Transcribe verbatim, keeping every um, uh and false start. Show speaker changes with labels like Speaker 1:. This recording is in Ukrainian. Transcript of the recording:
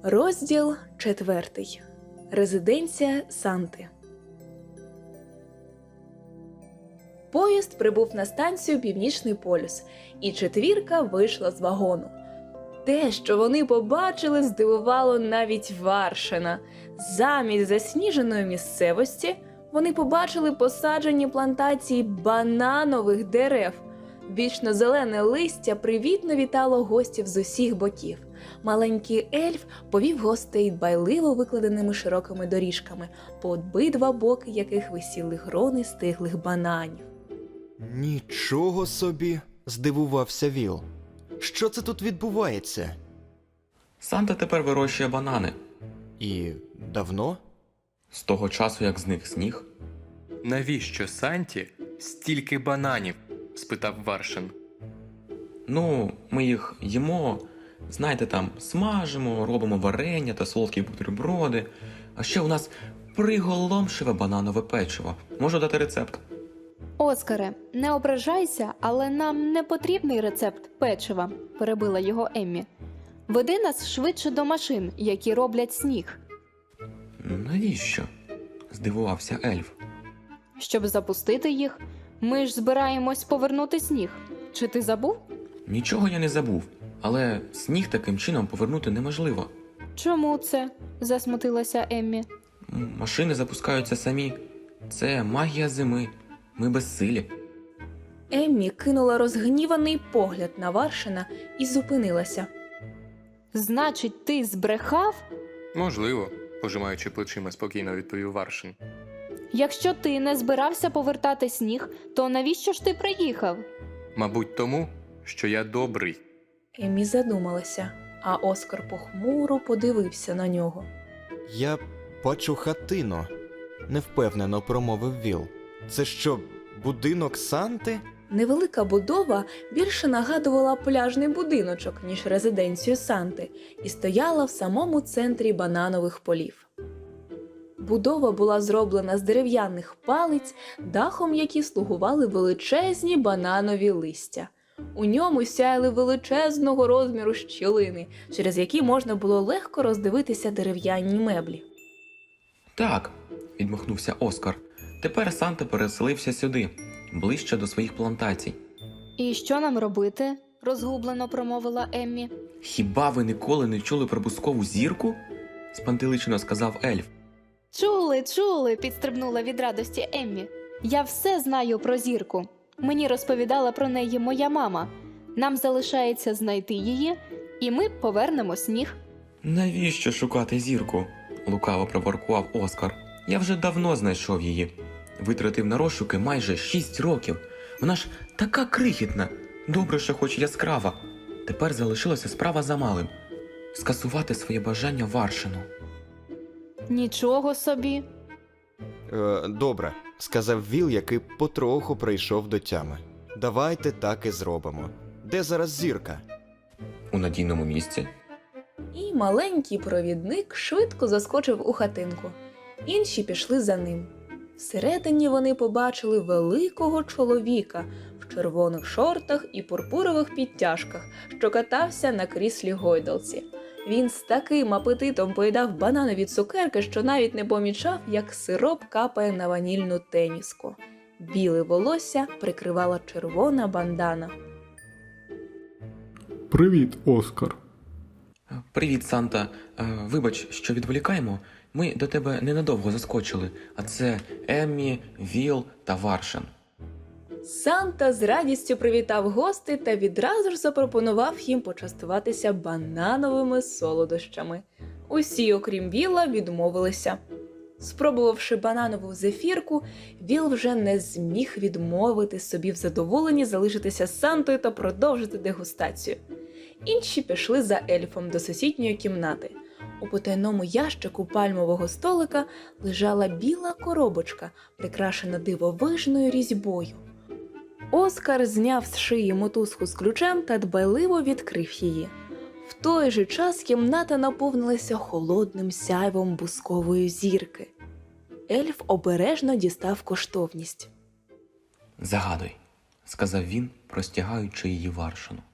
Speaker 1: Розділ четвертий. Резиденція Санти. Поїзд прибув на станцію Північний полюс, і четвірка вийшла з вагону. Те, що вони побачили, здивувало навіть Варшина. Замість засніженої місцевості вони побачили посаджені плантації бананових дерев. Вічно-зелене листя привітно вітало гостів з усіх боків. Маленький ельф повів гостей дбайливо викладеними широкими доріжками, по обидва боки яких висіли грони стиглих бананів.
Speaker 2: Нічого собі, здивувався Віл. Що це тут відбувається?
Speaker 3: Санта тепер вирощує банани.
Speaker 2: І давно?
Speaker 3: З того часу, як зник сніг.
Speaker 4: Навіщо Санті стільки бананів? Спитав Варшин.
Speaker 3: Ну, ми їх їмо, знаєте, там, смажимо, робимо варення та солодкі бутерброди. А ще у нас приголомшиве бананове печиво. Можу дати рецепт?
Speaker 5: Оскаре, не ображайся, але нам не потрібний рецепт печива, перебила його Еммі. Веди нас швидше до машин, які роблять сніг.
Speaker 3: Навіщо? Здивувався ельф.
Speaker 5: Щоб запустити їх, ми ж збираємось повернути сніг. Чи ти забув?
Speaker 3: Нічого я не забув, але сніг таким чином повернути неможливо.
Speaker 5: Чому це? Засмутилася Еммі.
Speaker 3: М, Машини запускаються самі. Це магія зими. Ми безсилі.
Speaker 1: Еммі кинула розгніваний погляд на Варшина і зупинилася.
Speaker 5: Значить, ти збрехав?
Speaker 4: Можливо, пожимаючи плечима, спокійно відповів Варшин.
Speaker 5: Якщо ти не збирався повертати сніг, то навіщо ж ти приїхав?
Speaker 4: Мабуть, тому, що я добрий.
Speaker 1: Еммі задумалася, а Оскар похмуро подивився на нього.
Speaker 2: Я бачу хатину, невпевнено промовив Віл. Це що, будинок Санти?
Speaker 1: Невелика будова більше нагадувала пляжний будиночок, ніж резиденцію Санти, і стояла в самому центрі бананових полів. Будова була зроблена з дерев'яних палиць, дахом які слугували величезні бананові листя. У ньому сяяли величезного розміру щілини, через які можна було легко роздивитися дерев'яні меблі.
Speaker 3: Так, відмахнувся Оскар. Тепер Санта переселився сюди, ближче до своїх плантацій.
Speaker 5: І що нам робити? Розгублено промовила Еммі.
Speaker 3: Хіба ви ніколи не чули про бускову зірку? Спантеличено сказав ельф.
Speaker 5: Чули, чули, підстрибнула від радості Еммі. Я все знаю про зірку. Мені розповідала про неї моя мама. Нам залишається знайти її, і ми повернемо сніг.
Speaker 3: Навіщо шукати зірку? Лукаво проворкував Оскар. Я вже давно знайшов її. Витратив на розшуки майже шість років. Вона ж така крихітна. Добре, що хоч яскрава. Тепер залишилася справа за малим. Скасувати своє бажання Варшину.
Speaker 5: Нічого собі.
Speaker 2: Е, добре, сказав Віл, який потроху прийшов до тями. Давайте так і зробимо. Де зараз зірка?
Speaker 3: У надійному місці.
Speaker 1: І маленький провідник швидко заскочив у хатинку. Інші пішли за ним. Всередині вони побачили великого чоловіка в червоних шортах і пурпурових підтяжках, що катався на кріслі гойдалці. Він з таким апетитом поїдав бананові цукерки, що навіть не помічав, як сироп капає на ванільну теніску. Біле волосся прикривала червона бандана.
Speaker 6: Привіт, Оскар.
Speaker 3: Привіт, Санта. Е, Вибач, що відволікаємо. Ми до тебе ненадовго заскочили, а це Еммі, Віл та Варшин.
Speaker 1: Санта з радістю привітав гостей та відразу ж запропонував їм почастуватися банановими солодощами. Усі, окрім Віла, відмовилися. Спробувавши бананову зефірку, Віл вже не зміг відмовити собі в задоволенні залишитися з Сантою та продовжити дегустацію. Інші пішли за ельфом до сусідньої кімнати. У потайному ящику пальмового столика лежала біла коробочка, прикрашена дивовижною різьбою. Оскар зняв з шиї мотузку з ключем та дбайливо відкрив її. В той же час кімната наповнилася холодним сяйвом бускової зірки. Ельф обережно дістав коштовність.
Speaker 3: Загадуй, сказав він, простягаючи її Варшину.